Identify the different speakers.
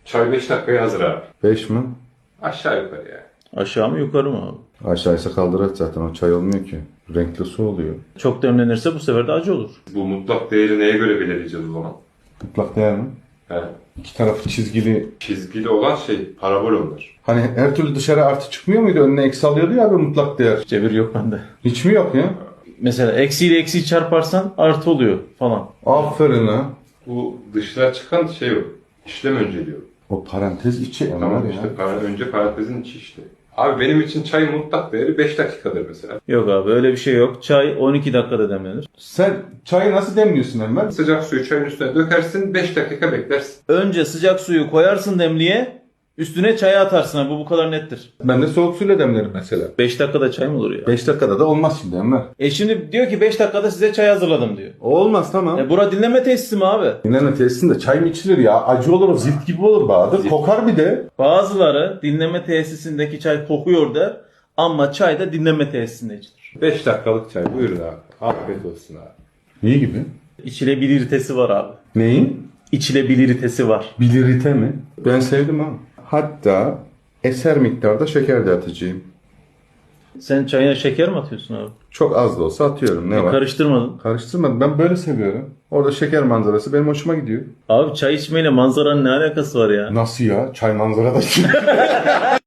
Speaker 1: Çay 5 dakikaya hazır abi.
Speaker 2: 5 mi?
Speaker 1: Aşağı yukarı yani.
Speaker 3: Aşağı mı yukarı mı abi?
Speaker 2: Aşağıysa kaldıraç zaten, o çay olmuyor ki. Renkli su oluyor.
Speaker 3: Çok demlenirse bu sefer de acı olur.
Speaker 1: Bu mutlak değeri neye göre belirleyeceğiz o zaman?
Speaker 2: Mutlak değer mi?
Speaker 1: He.
Speaker 2: İki tarafı çizgili.
Speaker 1: Çizgili olan şey parabol onlar.
Speaker 2: Hani her türlü dışarı artı çıkmıyor muydu? Önüne eksi alıyordu ya abi mutlak değer.
Speaker 3: Cebir yok bende.
Speaker 2: Hiç mi yok ya?
Speaker 3: Mesela eksiyle eksiyi çarparsan artı oluyor falan.
Speaker 2: Aferin ha.
Speaker 1: Bu dışına çıkan şey o. İşlem önceliyor.
Speaker 2: O parantez içi
Speaker 1: Tamam
Speaker 2: Enver
Speaker 1: işte
Speaker 2: ya.
Speaker 1: önce parantezin içi işte. Abi benim için çay mutlak değeri 5 dakikadır mesela.
Speaker 3: Yok abi öyle bir şey yok. Çay 12 dakikada demlenir.
Speaker 2: Sen çayı nasıl demliyorsun Enver?
Speaker 1: Sıcak suyu çayın üstüne dökersin 5 dakika beklersin.
Speaker 3: Önce sıcak suyu koyarsın demliğe. Üstüne çayı atarsın abi. Bu kadar nettir.
Speaker 2: Ben de soğuk suyla demlerim mesela.
Speaker 3: 5 dakikada çay mı olur ya?
Speaker 2: 5 dakikada da olmaz şimdi Enver.
Speaker 3: Şimdi diyor ki 5 dakikada size çay hazırladım diyor.
Speaker 2: Olmaz tamam.
Speaker 3: Bura dinleme tesisi mi abi?
Speaker 2: Dinleme tesisinde çay mı içilir ya? Acı olur, o zift gibi olur Bahadır. Kokar bir de.
Speaker 3: Bazıları dinleme tesisindeki çay kokuyor der. Ama çay da dinleme tesisinde içilir.
Speaker 1: 5 dakikalık çay buyurun abi. Afiyet olsun abi.
Speaker 2: İyi gibi.
Speaker 3: İçilebilirtesi var abi.
Speaker 2: Neyin?
Speaker 3: İçilebilirtesi var.
Speaker 2: Bilirite mi? Ben sevdim ha. Hatta eser miktarda şeker de atacağım.
Speaker 3: Sen çayına şeker mi atıyorsun abi?
Speaker 2: Çok az da olsa atıyorum. Ne var?
Speaker 3: Karıştırmadın.
Speaker 2: Karıştırmadım. Ben böyle seviyorum. Orada şeker manzarası benim hoşuma gidiyor.
Speaker 3: Abi çay içmeyle manzaranın ne alakası var ya?
Speaker 2: Nasıl ya? Çay manzarada.